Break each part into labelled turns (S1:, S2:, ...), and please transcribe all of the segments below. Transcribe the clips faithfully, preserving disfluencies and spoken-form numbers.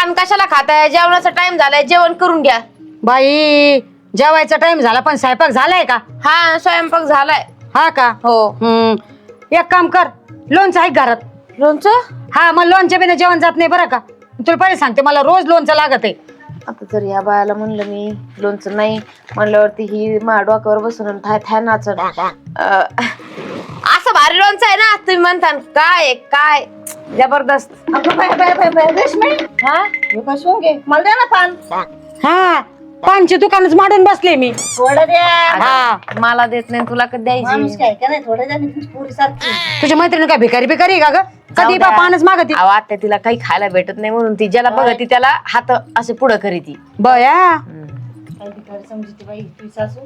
S1: पान कशाला खाताय? जेवणाचा टाइम झालाय, जेवण करून घ्या.
S2: बाई जेवायचा टाइम झाला पण स्वयंपाक झालाय का?
S1: हा स्वयंपाक झालाय.
S2: हा का?
S1: हो.
S2: हम्म एक काम कर, लोणचं आहे घरात.
S1: लोणचं?
S2: हा मग लोणच्या बिना जेवण जात नाही बरं का. तुला पहिले सांगते मला रोज लोणचं लागत आहे.
S1: आता जर या बायाला म्हणलं मी लोणचं नाही म्हणल्यावरती ही मा डोक्यावर बसून थाय थाय नाचत. असं भारी लोणचं आहे ना, तुम्ही म्हणता काय काय जबरदस्त.
S3: रेशमी
S1: हा
S3: हे कसून घे, मला द्या ना पान.
S2: हा पानची दुकानच मांडून बसले मी.
S3: थोडं द्या.
S2: हा
S1: मला देत नाही, तुला कधी
S3: माणूस
S1: द्यायची?
S3: काय का नाही, थोडं द्या. मी तुमची पोरी सारखी.
S2: तुझ्या मैत्रिणी काय भिकारी भिकारी का ग?
S1: जाऊ
S2: कधी
S1: द्या.
S2: बा पानच मागती.
S1: अहो, आत्या तिला काही खायला भेटत नाही म्हणून ती ज्याला बघती त्याला हात असे पुढं करीती.
S2: बया
S3: काय भिकारी समजते बाई तुझी सासू.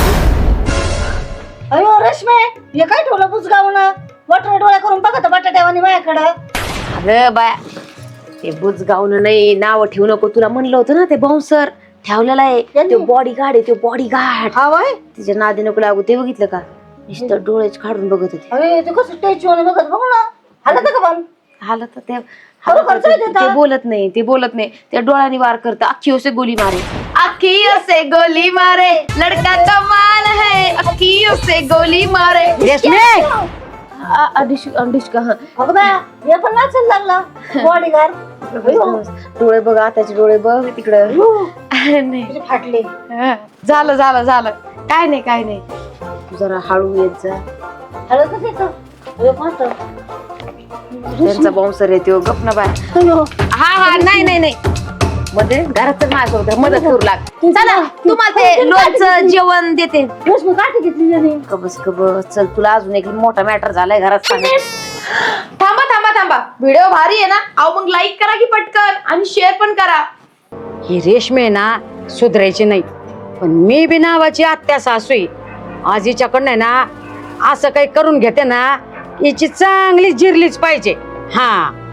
S3: अयो रेशमे हे काय ठेवलं बुजगावून? वटर डोळ्या करून बघत बटाट्यावानी माझ्याकडं.
S1: अगं बाया, ते बुज गावलं नाही, नाव ठेवू नको. तुला म्हणलं होतं ना ते बाउन्सर ठेवलेला आहे,
S3: त्यांनी?
S1: तो बॉडी गार्ड आहे, तो बॉडी गार्ड.
S3: हा वय
S1: तिच्या नादी नको लागू. ते बघितलं का? नुसतं डोळेच काढून बघत होते.
S3: अरे ते कसं स्टॅच्यू बघत बघ ना. हालत का पण?
S1: हालत तर ते
S3: खरं खर्च
S1: ते
S3: देता?
S1: ते बोलत नाही, ते बोलत नाही. त्या डोळ्याने वार करतं. अख्खी से गोली मारे, अख्खी से गोली मारे, लडका कमाल है, अख्खी से गोली मारे.
S2: रेशमे
S1: अंडिश अंडिश का
S3: बघ ना हे पण नाचायला लागला बॉडीगार्ड.
S1: डोळे बघ, आताचे डोळे बघ तिकडं. नाही
S3: तुझे फाटले.
S1: हा, झालं झालं झालं काय नाही काय नाही. तू जरा हळू येत जा.
S3: हळदच येतं. अयो पाहतो.
S1: त्यांचा बाउन्सर येतो. गप ना बाय.
S3: अयो
S1: हा हा नाही नाही नाही मध्ये घरात तर माझ्यासोबत मदत करू लाग. चला तुम्हाला ते लोणचं जेवण देते.
S3: रेशमी काठी घेतली त्याने.
S1: कबस कबस चल, तुला अजून एक मोठा मॅटर झालाय घरात सांग. थांबा थांबा थांबा, व्हिडिओ भारी आहे ना? अहो मग लाईक करा की पटकन आणि शेअर पण करा.
S2: ही रेशमे ना सुधरायची नाही, पण मी बी नावाची आत्या सासू आहे. आज हिच्याकडनं ना असं काही करून घेते ना, हिची चांगली जिरलीच पाहिजे. हा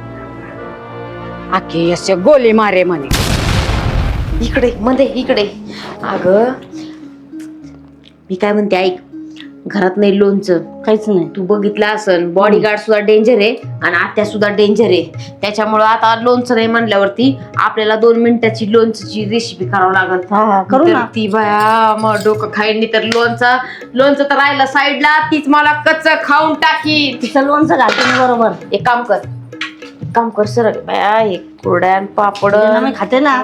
S2: आखी असे गोली मारे म्हणे.
S1: इकडे मध्ये इकडे. अगं मी काय म्हणते ऐक, घरात नाही लोणचं
S3: काहीच नाही.
S1: तू बघितलं असन, बॉडीगार्ड सुद्धा डेंजर आहे आणि आत्या सुद्धा डेंजर आहे. त्याच्यामुळं आता लोणचं नाही म्हणल्यावरती आपल्याला दोन मिनिटाची लोणचंची रेसिपी करावं लागत.
S3: हा हा करू ना.
S1: ती बाया मग डोकं खाईन तर लोणचं लोणचं तर राहिलं साईडला, तीच मला कच्च खाऊन टाकी.
S3: तिचं लोणचं घालते मी बरोबर.
S1: एक काम कर एक काम कर सर बाया, हे कुरड्या पापड
S3: मी खाते ना.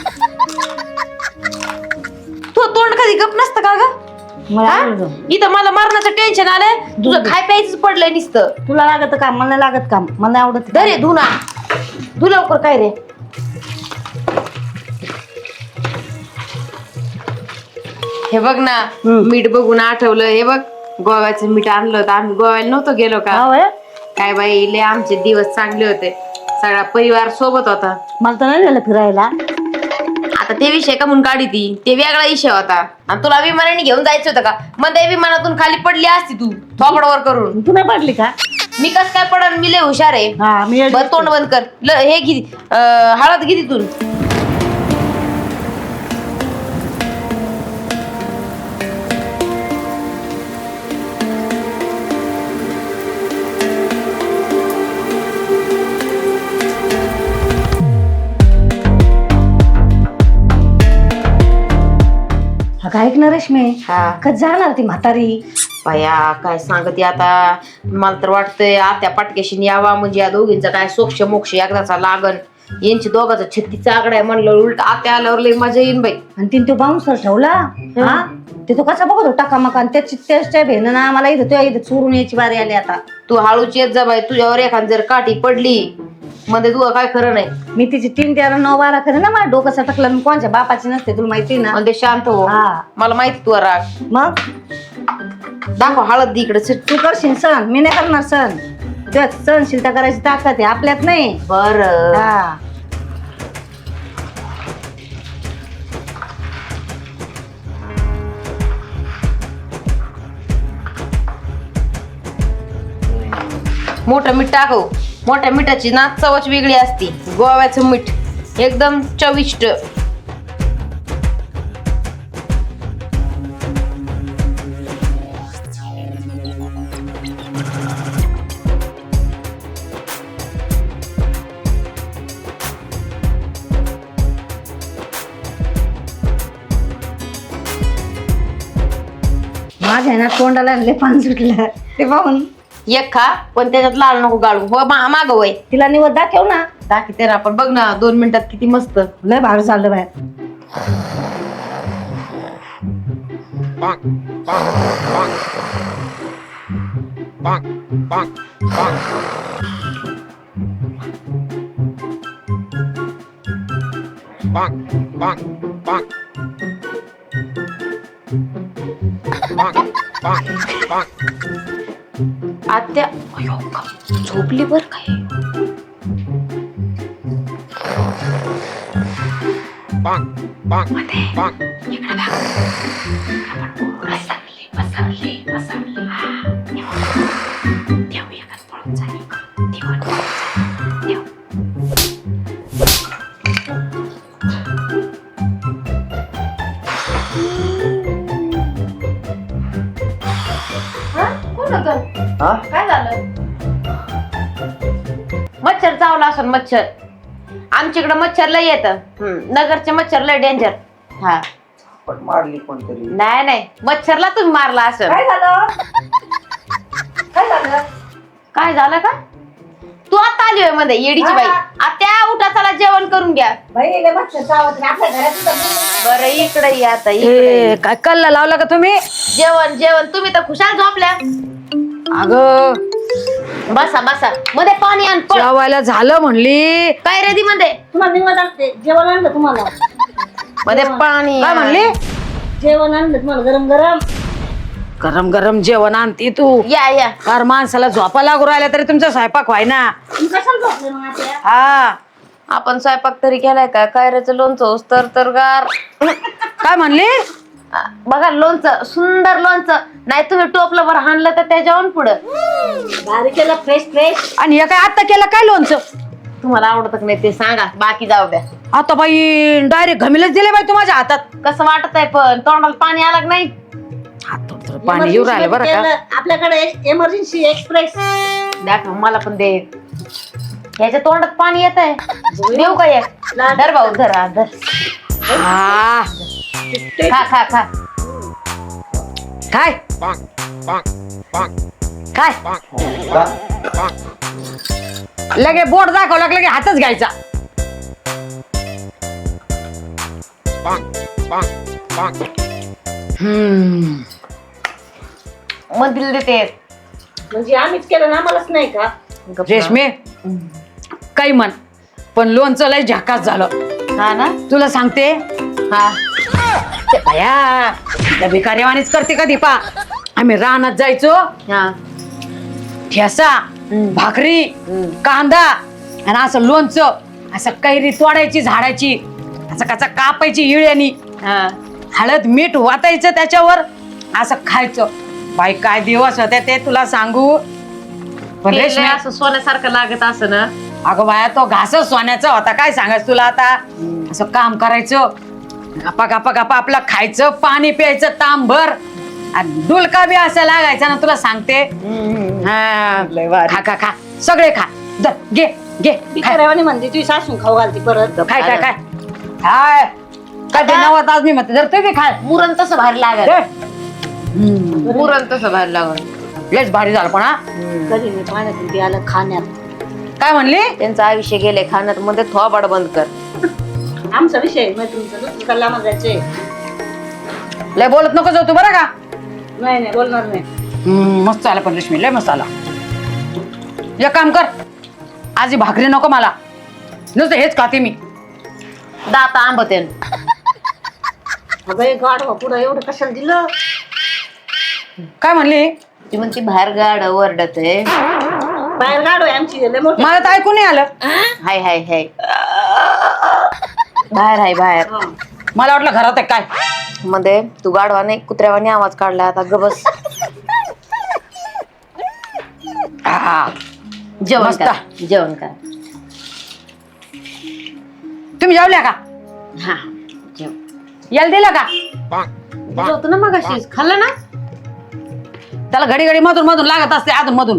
S1: तू तोंड कधी गप नसतं का ग?
S3: मला
S1: हा?
S3: आवडतं.
S1: इथं मला मरणाचं टेन्शन आलंय, तुझं खाय प्यायचं पडलंय नुसतं.
S3: तुला लागत काम, मला नाही लागत काम. मला नाही आवडत.
S1: दरे धुना धु लवकर. काय रे हे बघ ना, मीठ बघून आठवलं. हे बघ गोव्याचं मीठ आणलं होतं आम्ही. गोव्याला नव्हतं गेलो का?
S3: हा वय
S1: काय बाई लय आमचे दिवस चांगले होते, सगळा परिवार सोबत होता.
S3: मला तर नाही झालं फिरायला.
S1: आता ते विषय का म्हणून काढी ती, ते वेगळा विषय होता. आणि तुला विमानाने घेऊन जायचं होतं का? मग त्या विमानातून खाली पडली असती तू थोबडवर करून.
S3: तू नाही पडली का?
S1: मी कस काय पडन, मी लय हुशार आहे.
S3: हा मी
S1: बर तोंड बंद कर. ल हे घे, अं, हळद घे तिथून.
S3: काय ऐकणार रेशमी?
S1: हा
S3: कधी जाणार ती म्हातारी?
S1: बाया काय सांगते आता, मला तर वाटतंय आत्या पाटकेशी यावा म्हणजे या दोघींचा काय सोक्ष मोक्ष एकदाचा लागन. यांची दोघांचा छत्तीचा आकडा आहे म्हणलं, उलट आत्या आल्यावर लय मजा येईन बाई.
S3: आणि तिने तो बाउन्सर ठेवला. हा ते तो कसा बघत होता टाका आणि त्याची त्याच्या भेन ना मला इथं तुझ्या इथं चोरून यायची बारी आली आता.
S1: तू हळूच येत जा बाई, तुझ्यावर एखाद जर काठी पडली मध्ये तू काय खरं नाही.
S3: मी तिची तीन तेरा नऊ बारा करे ना, माझ्या डोकं सटकलं. मी कोणच्या बापाची नसते तुला माहिती ना.
S1: म्हणजे शांत हो,
S3: हा.
S1: मला माहिती तू राग.
S3: मग
S1: दाखव हळद इकडे.
S3: तू करशील सण, मी नाही करणार सण. तुझ्या सहनशीलता करायची ताकद आहे आपल्यात नाही.
S1: बर
S3: हा
S1: मोठं मीठ टाकव. मोठ्या मिठाची ना चवच वेगळी असती. गोव्याचं मीठ एकदम चविष्ट.
S3: आहे ना तोंडाला लय पान सुटलं ते पाहून.
S1: एक खा पण त्याच्यात लाल नको गाळू हो माग वय
S3: तिला निवड दाखव ना.
S1: दाखवते ना आपण बघ ना दोन मिनिटात किती मस्त.
S3: लय भारी चाललं बाहेर.
S1: आत्या अयो का झोपली बर काय.
S4: हा?
S1: काय झालं मच्छर चावला असं मच्छर आमच्याकडे मच्छर लय येत नगरचे मच्छर लय डेंजर. हा
S4: पण मारली कोणतरी.
S1: नाही नाही मच्छरला तुम्ही मारला असं.
S3: काय झालं काय झालं
S1: काय झालं का तू आता आली होय मध्ये येडीची बाई. आत्या उठा चला जेवण करून घ्या.
S3: बाई लय मच्छर चावत नाही. आपल्या घरात सुद्धा
S1: बरं इकडे ये आता इकडे
S2: ए,
S1: ये.
S2: काय कल्ला लावला का तुम्ही?
S1: जेवण जेवण तुम्ही तर खुशाल झोपल्या.
S2: अगं
S1: बसा बसा मध्ये पाणी आण पळ.
S2: जेवायला झालं म्हणली.
S1: काय रेडी मध्ये
S3: तुम्हाला निवड आणते जेवण आणलं तुम्हाला.
S1: मध्ये पाणी
S2: काय
S1: आण.
S2: म्हणली?
S3: जेवण आणलं तुम्हाला गरम गरम.
S2: गरम गरम जेवण आणती तू.
S1: या या
S2: कार माणसाला झोपा लागू राहिल्या तरी तुमचा स्वयंपाक व्हाय ना.
S3: तुम्ही कशाला झोपले मग आता?
S2: हा
S1: आपण स्वयंपाक तरी केलाय का कायऱ्याचं लोणचं तर तर गार.
S2: काय म्हणली?
S1: आ, बघा लोणचं सुंदर लोणचं नाही तुम्ही टोपलं वर हाणलं तर त्याच्यावर पुढं.
S3: भारी केलं फ्रेश फ्रेश.
S2: आणि हे काय आता केलं काय लोणचं?
S1: तुम्हाला आवडत का नाही ते सांगा बाकी जाऊ द्या.
S2: आता बाई डायरेक्ट घमीलच दिले बाई तू माझ्या हातात.
S1: कसं वाटत आहे पण तोंडाला पाणी आलं का नाही.
S2: हात थोडं थोडं पाणी येऊ राहिलं बरं का.
S3: आपल्याकडे एमर्जन्सी एक्सप्रेस.
S1: दाखव मला पण दे. याच्या तोंडात पाणी येत आहे देऊ का एक. धर भाऊ धर हा, धर
S2: हा
S1: खा खा खा.
S2: काय काय लगे बोट दाखवलं की लगे हातच घ्यायचा. हम्म
S1: मधील देते.
S3: म्हणजे आम्हीच केलं ना आम्हालाच नाही का.
S2: रेशमे काही म्हण पण लोणचं लय झकास झालं.
S1: हा ना
S2: तुला सांगते
S1: हा
S2: ते बाया त्या भिकाऱ्यावानीच करते का दीपा. आम्ही रानात जायचो
S1: हा
S2: ठेसा भाकरी कांदा आणि असं लोणचं असं कैरी तोडायची झाडाची असं कसा कापायची इळ्यानी
S1: हा
S2: हळद मीठ वाटायचं त्याच्यावर असं खायचं. बाई काय दिवस होते ते तुला सांगू. पण
S1: ते लय
S2: रेशमे
S1: असं सोन्यासारखं लागत असं ना.
S2: अगं बाया तो घासच सोन्याचा होता. काय सांगायचं तुला आता. असं काम करायचं गप्पा गप्पा गप्पा आपलं खायचं पाणी प्यायचं तांभर आणि डुलका बी असं लागायचा ना तुला सांगते. हा. खा खा खा सगळे खा. दर, घे घे खाय.
S3: भिकाऱ्यावानी म्हणते तुझी सासू खाऊ घालते परत.
S2: काय काय काय काय कधी नवत आज मी म्हणते जर तुम्ही खाय
S1: मुरण तसं भारी लागत.
S2: दे.
S1: मुरण तसं भारी लागत.
S2: लयच भारी झालं पण हा.
S3: कधी नाही पाण्यातून ते आलं खाण्यात.
S2: काय म्हणली?
S1: त्यांचं आयुष्य गेले खाण्यात मध्ये थोबाड बंद कर.
S3: आमचा विषय मग तुमचं दुसरं कल्ला जायचंय.
S2: लय बोलत नको जाऊ तू बरं का.
S3: नाही नाही बोलणार नाही.
S2: हम्म, मस्त आला पण रेशमी लय मस्त आला. एक काम कर आज ही भाकरी नको मला नुसतं हेच खाते मी.
S1: दाता आंबते
S3: अगं गाड पुढं एवढं कशाला दिलं.
S2: काय म्हणली?
S1: ती म्हणती बाहेर गाड वरडत आहे.
S3: बाहेर गाड आहे आमची लय मोठी.
S2: मला तर ऐकून नाही आलं.
S1: हाय हाय हाय बाहेर हाय बाहेर.
S2: मला वाटलं घरात आहे काय.
S1: मध्ये तू गाडवाने कुत्र्यावाने आवाज काढला आता गबस.
S2: आ,
S1: जेवण
S2: मस्त.
S1: कर जेवण कर.
S2: तुम्ही जेवल्या का?
S1: हा जेव
S2: याला दिलं का?
S1: जेवतो ना मग अशीच खाल्लं ना.
S2: त्याला घडी घडी मधून मधून लागत असते अधून मधून.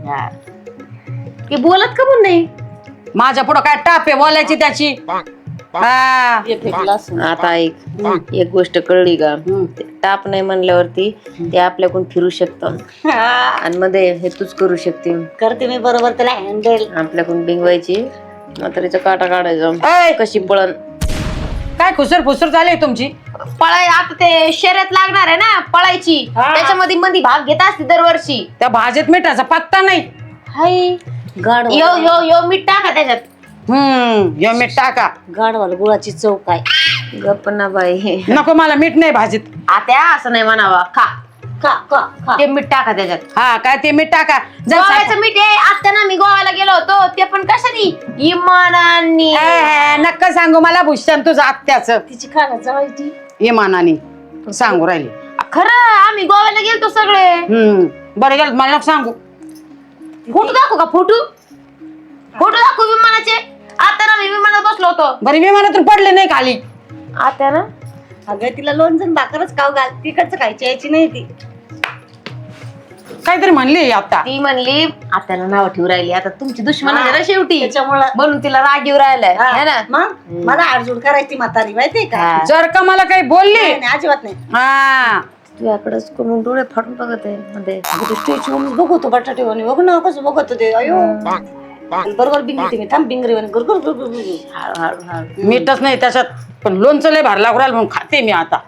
S1: की बोलत का पण नाही.
S2: माझ्या पुढं काय टाप आहे बोलायची त्याची. हा
S3: एक एक ग्लास
S1: आता एक एक गोष्ट कळली का ते टाप नाही म्हणल्यावरती ते आपल्याकडून फिरू शकतं आणि मध्ये हे तूच करू शकते
S3: करते मी बरोबर त्याला हँडल.
S1: आपल्याकडून बिंगवायची म्हातारीचा काटा काढायचा
S2: ऐ,
S1: कशी पळण
S2: काय खुसर फुसर झाली तुमची?
S1: पळाय आता ते शर्यत लागणार आहे ना पळायची त्याच्यामध्ये मध्ये भाग घेत असते दरवर्षी
S2: त्या भाजीत मिठाचा पत्ता नाही.
S1: हाय
S3: गाड
S1: यो यो यो मीठ टाका त्याच्यात
S2: हम्म यो मीठ टाका.
S3: गाडवाल गुळाची चव काय.
S1: गप्प ना बाई
S2: नको मला मीठ नाही भाजीत.
S1: आता असं नाही म्हणावा खा
S3: खा खा खा.
S1: ते मीठ टाका त्याच्यात
S2: हा काय ते मीठ टाका. जा साप-
S1: गोव्याचं मीठ आहे आता ना मी गोव्याला गेलो होतो ते पण कशाने इमानाने
S2: ए, ए, नक्का सांगू मला भूषण तुझं आत्याच
S3: तिची खाणं जवायची.
S2: इमानाने सांगू राहिली.
S1: खरं आम्ही गोव्याला गेलतो सगळे
S2: हम्म बरं गेलं मला नको सांगू.
S1: फोटो दाखवू का फोटो फोटो दाखवू विमानाचे आता ना मी विमानात बसलो होतो
S2: बरं विमानातून पडले नाही खाली.
S1: आता ना
S3: अगं तिला लोणचं भाकरच खाऊ घाल तिकडचं खायची यायची नाही ती.
S2: काहीतरी म्हणली आता.
S1: ती म्हणली आत्याला नाव ठेवू राहिली आता तुमची दुश्मन आहे ना शेवटी
S3: त्याच्यामुळं
S1: म्हणून तिला राग येऊ राहिलाय है ना
S3: मग मला आडजूड करायची म्हातारी माहितीये का.
S1: हा.
S2: जर का मला काही बोलली
S3: नाही, नाही, अजिबात नाही.
S2: हा
S1: तुझ्याकडेच करून डोळे फाटून बघत आहे मध्ये
S3: अगं ते स्टेज वरून बघतो बटाटे वाणी बघ ना कसं बघत ते अयो बरोबर बिंगरी मी थांब बिंगरी वाणी गुरगुर गुरगुर गुरगुर.
S1: हळू हळू हळू
S2: मीठच नाही त्याच्यात पण लोणचं लय भरला लागू राहिलं म्हणून खाते मी आता.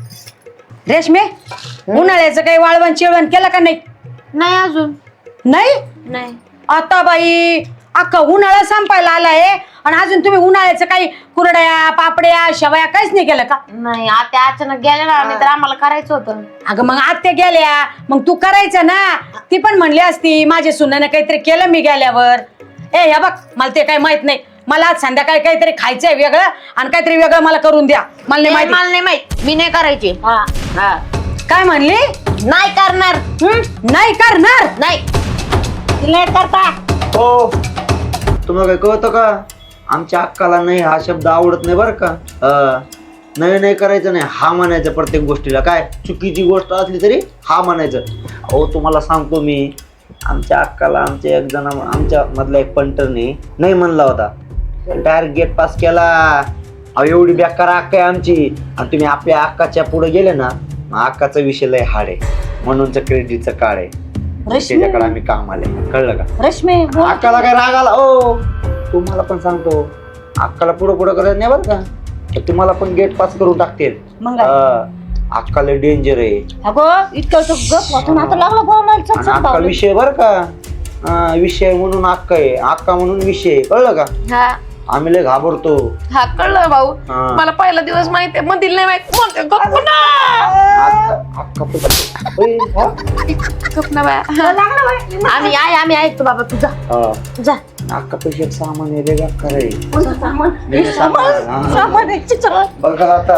S2: रेशमे उन्हाळ्याचं काही वाळवण चिळवण केलं का नाही?
S1: नाही अजून
S2: नाही
S1: नाही
S2: आता बाई अख्खा उन्हाळा संपायला आलाय आणि अजून तुम्ही उन्हाळ्याचं काही कुरड्या पापड्या शेवया काहीच नाही केलं का?
S1: नाही आता अचानक गेल्या ना नाही तर आम्हाला करायचं होतं
S2: अगं मग आत्या गेल्या मग तू करायचं ना. ती पण म्हणली असती माझ्या सुनाने काहीतरी केलं मी गेल्यावर. ए ह्या बघ मला ते काही माहित नाही. मला आज संध्याकाळी काहीतरी खायचंय वेगळं आणि काहीतरी वेगळं मला करून द्या. मला नाही माहिती.
S1: मला नाही माहित मी नाही करायची
S3: हा
S1: हा
S2: काय म्हणली?
S1: नाही करणार
S2: हं? नाही करणार.
S1: नाही
S3: तिला करता.
S4: हो तुम्हाला काय कळतं का आमच्या अक्काला नाही हा शब्द आवडत नाही बरं का. अं, नाही नाही करायचं नाही हा म्हणायचं प्रत्येक गोष्टीला. काय चुकीची गोष्ट असली तरी हा म्हणायचं. अहो तुम्हाला सांगतो मी आमच्या अक्काला आमच्या एक जण आमच्या मधल्या एक पंटरने नाही म्हणला होता डायरेक्ट गेट पास केला. अहो एवढी बेकार अक्का आहे आमची आणि तुम्ही आपल्या अक्काच्या पुढे गेले ना मग अक्काचा विषय लय हाड आहे म्हणूनच क्रेडिटचं कार्ड आहे
S3: रश्मी
S4: त्याच्याकडे आम्ही काम आले. कळलं का?
S3: रश्मी बोल.
S4: अक्काला काय राग आला ओ तुम्हाला पण सांगतो अक्काला पुढं पुढं करायचं नाही बरं का तर तुम्हाला पण गेट पास करून टाकतील.
S3: मग काय?
S4: हा, अक्काला डेंजर आहे
S3: अगं इतकं तो गप वाटून आता लागला बोलायला चल
S4: आणि
S3: चल
S4: अक्का
S3: बावलं.
S4: विषय बरं का. हा, विषय म्हणून अक्का आहे अक्का म्हणून विषय आहे. कळलं का?
S1: हा
S4: आम्ही लय घाबरतो.
S1: हा कळलं भाऊ
S4: हा.
S1: मला पहिला दिवस माहिती आहे मंदिर नाही माहित म्हणते गप्प ना
S4: अक्का अक्का पण- ओय, हा?
S1: गप्प ना बाया आम्ही आहे आम्ही ऐकतो बाबा तुझा
S4: हा.
S1: जा
S4: अक्का पैसे एक सामान आहे रे अक्का रे.
S3: कोणतं सामान?
S4: लय सामान. हा.
S3: सामान आहे, चल.
S4: बघा आता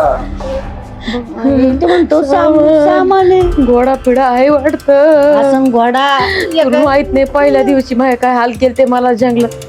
S3: ते म्हणतो सामान सामान आहे.
S1: घोडा पिढा आहे वाटत
S3: असं घोडा
S1: तुला माहित नाही पहिल्या दिवशी माझे काय हाल केले ते मला जंगलात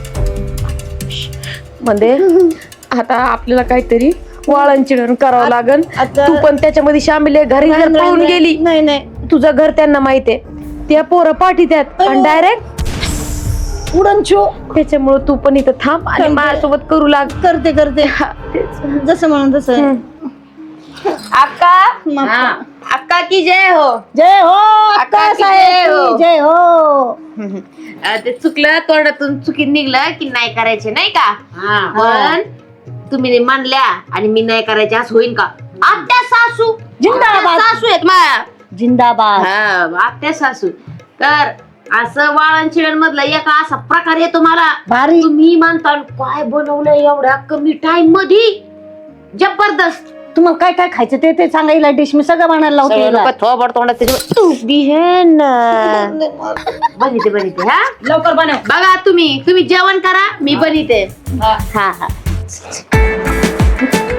S1: मध्ये आता आपल्याला काहीतरी वाळण चिडण करावं लागल
S3: आता-
S1: तू पण त्याच्यामध्ये शामिल आहे घरी जर पळून गेली
S3: नाही नाही
S1: तुझं घर त्यांना माहित आहे त्या पोरं पाठी त्यात आणि डायरेक्ट
S3: उडन छो
S1: त्याच्यामुळे तू पण इथं थांब आणि
S3: थांबते.
S1: माझ्यासोबत करू लाग
S3: करते करते जसं म्हणून तसं.
S1: अक्का
S3: मग-
S1: हा. अक्का की जय हो
S3: जय हो
S1: अक्का
S3: अक्का
S1: की
S3: साहेब
S1: जय हो.
S3: की जय हो.
S1: अं, ते चुकलं तोंडातून चुकीत निघलं की नाही करायचे नाही का पण तुम्ही मानल्या आणि मी नाही करायचे असं होईल का? आत्या सासू
S3: जिंदाबाद.
S1: आत्या सासू आहेत माझ्या
S3: जिंदाबाद.
S1: हा आत्या सासू तर असं वाळण चिळण मधला एका असा प्रकार येतो मला
S3: भारी.
S1: तुम्ही म्हणता काय बनवलंय एवढ्या कमी टाइम मध्ये जबरदस्त
S3: तुम्हाला काय काय खायचं ते ते सांगायला डिश मी सगळं बनायला लावते हिला.
S1: थोबड तोंडात त्याच्यावर तूप बी हे ना बनिते बनिते हा
S2: लवकर बनव.
S1: बघा तुम्ही तुम्ही जेवण करा मी बनिते हा हा